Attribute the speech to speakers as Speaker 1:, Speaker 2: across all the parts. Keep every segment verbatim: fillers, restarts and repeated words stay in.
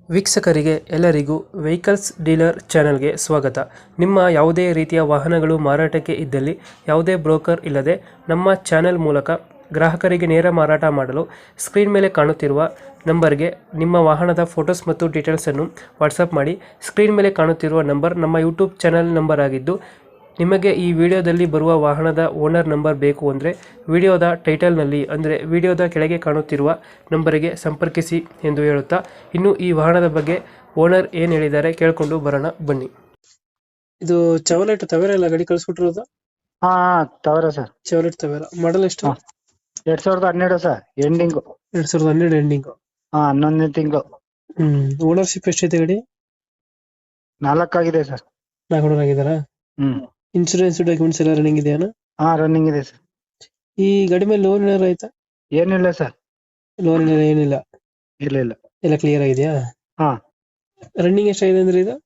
Speaker 1: ವೀಕ್ಷಕರಿಗೆ ಎಲ್ಲರಿಗೂ vehicles dealer ಚಾನೆಲ್ಗೆ ಸ್ವಾಗತ. ನಿಮ್ಮ ಯಾವುದೇ ರೀತಿಯ ವಾಹನಗಳು ಮಾರಾಟಕ್ಕೆ ಇದ್ದಲ್ಲಿ ಯಾವುದೇ ಬ್ರೋಕರ್ ಇಲ್ಲದೆ ನಮ್ಮ ಚಾನೆಲ್ ಮೂಲಕ ಗ್ರಾಹಕರಿಗೆ ನೇರ ಮಾರಾಟ ಮಾಡಲು ಸ್ಕ್ರೀನ್ ಮೇಲೆ ಕಾಣುತ್ತಿರುವ ನಂಬರ್ಗೆ ನಿಮ್ಮ ವಾಹನದ ಫೋಟೋಸ್ ಮತ್ತು ಡೀಟೇಲ್ಸನ್ನು ವಾಟ್ಸಪ್ ಮಾಡಿ. ಸ್ಕ್ರೀನ್ ಮೇಲೆ ಕಾಣುತ್ತಿರುವ ನಂಬರ್ ನಮ್ಮ ಯೂಟ್ಯೂಬ್ ಚಾನೆಲ್ ನಂಬರ್ ಆಗಿದ್ದು, ನಿಮಗೆ ಈ ವಿಡಿಯೋದಲ್ಲಿ ಬರುವ ವಾಹನದ ಓನರ್ ನಂಬರ್ ಬೇಕು ಅಂದರೆ ವಿಡಿಯೋದ ಟೈಟಲ್ನಲ್ಲಿ ಅಂದರೆ ವಿಡಿಯೋದ ಕೆಳಗೆ ಕಾಣುತ್ತಿರುವ ನಂಬರಿಗೆ ಸಂಪರ್ಕಿಸಿ ಎಂದು ಹೇಳುತ್ತಾ, ಇನ್ನು ಈ ವಾಹನದ ಬಗ್ಗೆ ಓನರ್ ಏನು ಹೇಳಿದ್ದಾರೆ ಕೇಳಿಕೊಂಡು ಬರೋಣ ಬನ್ನಿ. ಇದು ಚವಲೆಟ್ ತವೇರ ಎಲ್ಲ ಗಾಡಿ ಕಳಿಸ್ಬಿಟ್ಟಿರೋದು?
Speaker 2: ಹಾ ತವರ ಸರ್.
Speaker 1: ಚವಲೆಟ್ ತವೇರ. ಮಾಡಲ್ ಎಷ್ಟು?
Speaker 2: ಹಾ. ಎರಡ್ ಸಾವಿರದ ಹನ್ನೆರಡು ಸರ್, ಎಂಡಿಂಗು.
Speaker 1: ಎರಡ್ ಸಾವಿರದ ಹನ್ನೆರಡು ಎಂಡಿಂಗು.
Speaker 2: ಹಾ ಹನ್ನೊಂದನೇ ತಿಂಗಳು.
Speaker 1: ಹ್ಮ್ ಓನರ್ಶಿಪ್ ಎಷ್ಟೈತೆ ಗಾಡಿ?
Speaker 2: ನಾಲ್ಕಾಗಿದೆ ಸರ್.
Speaker 1: ನಾಲ್ಕು ಓನರ್ ಆಗಿದಾರಾ?
Speaker 2: ಹ್ಮ್
Speaker 1: ಇನ್ಶೂರೆನ್ಸ್ ಡಾಕ್ಯುಮೆಂಟ್ಸ್ ಎಲ್ಲ ರನ್ನಿಂಗ್ ಇದೆಯಾ?
Speaker 2: ಹಾ ರನ್ನಿಂಗ್ ಇದೆ ಸರ್.
Speaker 1: ಈ ಗಾಡಿ ಮೇಲೆ ಲೋನ್ ಏನಾರು ಆಯ್ತಾ?
Speaker 2: ಏನಿಲ್ಲ ಸರ್.
Speaker 1: ಲೋನ್ ಏನಿಲ್ಲ?
Speaker 2: ಇಲ್ಲ ಇಲ್ಲ.
Speaker 1: ಎಲ್ಲ ಕ್ಲಿಯರ್ ಆಗಿದೆಯಾ?
Speaker 2: ಹಾ.
Speaker 1: ರನ್ನಿಂಗ್ ಎಷ್ಟಾಗಿದೆ ಅಂದ್ರೆ ಇದು?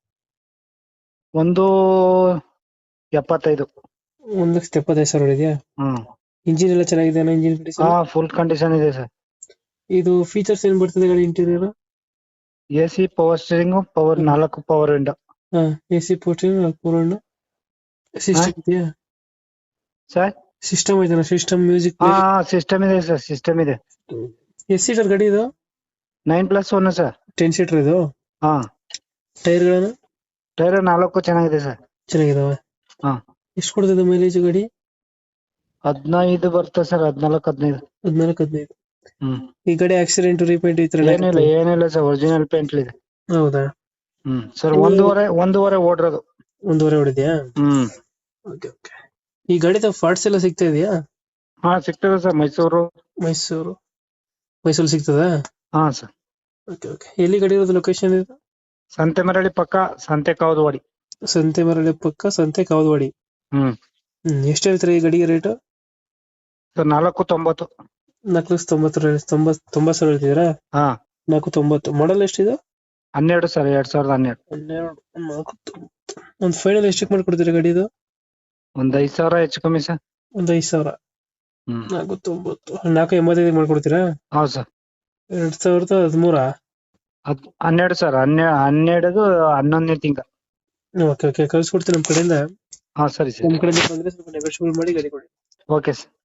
Speaker 2: ಒಂದು ಎಪ್ಪತ್ತೈದು.
Speaker 1: ಒಂದ್ ಲಕ್ಷದ ಎಪ್ಪತ್ತೈದು ಸಾವಿರ ಇದೆಯಾ?
Speaker 2: ಹ್ಮ್.
Speaker 1: ಇಂಜಿನ್ ಎಲ್ಲ ಚೆನ್ನಾಗಿದೆ? ಇಂಜಿನ್
Speaker 2: ಹಾ ಫುಲ್ ಕಂಡೀಷನ್ ಇದೆ ಸರ್.
Speaker 1: ಇದು ಫೀಚರ್ಸ್ ಏನ್ ಬರ್ತದೆ ಗಾಡಿ interior?
Speaker 2: A C, power steering, power ನಾಲ್ಕು ಪವರ್ ವಿಂಡೋ.
Speaker 1: ಹಾ ಎ ಸಿ ಪೋರ್ಟಿಂಗ್ ಪೂರ್ಣ ಸಿಸ್ಟಮ್ ಇದೆಯಾ
Speaker 2: ಸರ್?
Speaker 1: ಸಿಸ್ಟಮ್ ಐತನ? ಸಿಸ್ಟಮ್ ಮ್ಯೂಸಿಕ್
Speaker 2: ಹಾ ಸಿಸ್ಟಮ್ ಇದೆ ಸರ್, ಸಿಸ್ಟಮ್ ಇದೆ.
Speaker 1: ಎಸ್ ಸೀಟರ್ ಗಾಡಿ ಇದು?
Speaker 2: Nine plus one sir.
Speaker 1: Ten seater ಇದು?
Speaker 2: ಹಾ.
Speaker 1: ಟೈರ್ ಗಳನ್ನ?
Speaker 2: ಟೈರ್ ನಾಲ್ಕು ಚೆನ್ನಾಗಿದೆ ಸರ್.
Speaker 1: ಚೆನ್ನಾಗಿದಾವೆ.
Speaker 2: ಹಾ.
Speaker 1: ಎಷ್ಟು ಕೊಡ್ತದೆ ಮೈಲೇಜ್ ಗಾಡಿ?
Speaker 2: ಹದಿನೈದು ಬರ್ತದೆ ಸರ್, ಹದಿನಾಲ್ಕು ಹದಿನೈದು.
Speaker 1: ಹದಿನಾಲ್ಕು ಹದಿನೈದು.
Speaker 2: ಹ್ಮ್.
Speaker 1: ಈ ಗಾಡಿ ಆಕ್ಸಿಡೆಂಟ್ ರೀಪೇಂಟ್ ಈ ತರ
Speaker 2: ಏನಿಲ್ಲ ಏನಿಲ್ಲ ಸರ್, ಒರಿಜಿನಲ್ ಪೇಂಟ್ ಇದೆ.
Speaker 1: ಹೌದಾ?
Speaker 2: ಹ್ಮ್ ಸರ್. ಒಂದೂವರೆ ಒಂದೂವರೆ ಓಡಿರೋದು.
Speaker 1: ಒಂದೂವರೆ ಹೊಡಿದ್ಯಾ?
Speaker 2: ಹ್ಮ್.
Speaker 1: Okay okay. ಈ ಗಾಡಿದ ಪಾರ್ಟ್ಸ್ ಎಲ್ಲ ಸಿಗ್ತಾ ಇದೆಯಾ?
Speaker 2: ಹಾ ಸಿಗ್ತದೆ ಸರ್. ಮೈಸೂರು.
Speaker 1: ಮೈಸೂರು ಮೈಸೂರು ಸಿಗ್ತದಾ?
Speaker 2: ಹಾ ಸರ್.
Speaker 1: Okay okay. ಎಲ್ಲಿ ಗಾಡಿ ಇರೋದು? ಲೊಕೇಶನ್ ಇದು?
Speaker 2: ಸಂತೆಮರಳಿ ಪಕ್ಕ, ಸಂತೆ ಕಾವದವಾಡಿ.
Speaker 1: ಸಂತೆ ಮರಳಿ ಪಕ್ಕ, ಸಂತೆ ಕಾವದವಾಡಿ.
Speaker 2: ಹ್ಮ್.
Speaker 1: ಹ್ಮ್ ಎಷ್ಟು ಹೇಳ್ತೀರಾ ಈ ಗಾಡಿಗೆ ರೇಟ್?
Speaker 2: ಸರ್ ನಾಲ್ಕು ತೊಂಬತ್ತು.
Speaker 1: ನಾಲ್ಕು ಲಕ್ಷ ತೊಂಬತ್ತು ತೊಂಬತ್ ತೊಂಬತ್ತು ಸಾವಿರ ಹೇಳ್ತಿದ್ದೀರಾ?
Speaker 2: ಹಾ.
Speaker 1: ನಾಲ್ಕು ತೊಂಬತ್ತು. ಮಾಡಲ್ ಎಷ್ಟಿದೆ?
Speaker 2: ಹನ್ನೆರಡು ಸರ್, ಎರಡ್ ಸಾವಿರದ ಹನ್ನೆರಡು.
Speaker 1: ಹನ್ನೆರಡು. ನಾಲ್ಕು ತೊಂಬತ್ತು. ಒಂದು ಫೈನಲ್ ಎಷ್ಟಕ್ಕೆ ಮಾಡ್ಕೊಡ್ತೀರಾ ಗಾಡಿ ಇದು?
Speaker 2: ಒಂದ್ ಐದ್ ಸಾವಿರ ಹೆಚ್ಚು ಕಮ್ಮಿ ಸರ್.
Speaker 1: ಒಂದ್ ಐದು ಸಾವಿರ.
Speaker 2: ಹ್ಮ್.
Speaker 1: ನಾಲ್ಕು ತೊಂಬತ್ತು. ನಾಲ್ಕು ಎಂಬತ್ತೈದು ಮಾಡ್ಕೊಡ್ತೀರಾ?
Speaker 2: ಹೌದು ಸರ್.
Speaker 1: ಎರಡ್ ಸಾವಿರದ ಹದಿಮೂರ?
Speaker 2: ಹದ್ ಹನ್ನೆರಡು ಸರ್. ಹನ್ನೆರಡು ಹನ್ನೆರಡು ಹನ್ನೊಂದನೇ ತಿಂಗ.
Speaker 1: Okay okay. ಕಳ್ಸಿಕೊಡ್ತೀನಿ ನಮ್ಮ ಕಡೆಯಿಂದ.
Speaker 2: ಹಾ ಸರಿ ಸರ್.
Speaker 1: ನಮ್ಮ ಕಡೆಯಿಂದ ಬಂದ್ರೆ ಸ್ವಲ್ಪ ನೆಗೋಷಿಯೇಟ್ ಮಾಡಿ ಗಾಡಿ ಕೊಡಿ.
Speaker 2: Okay sir.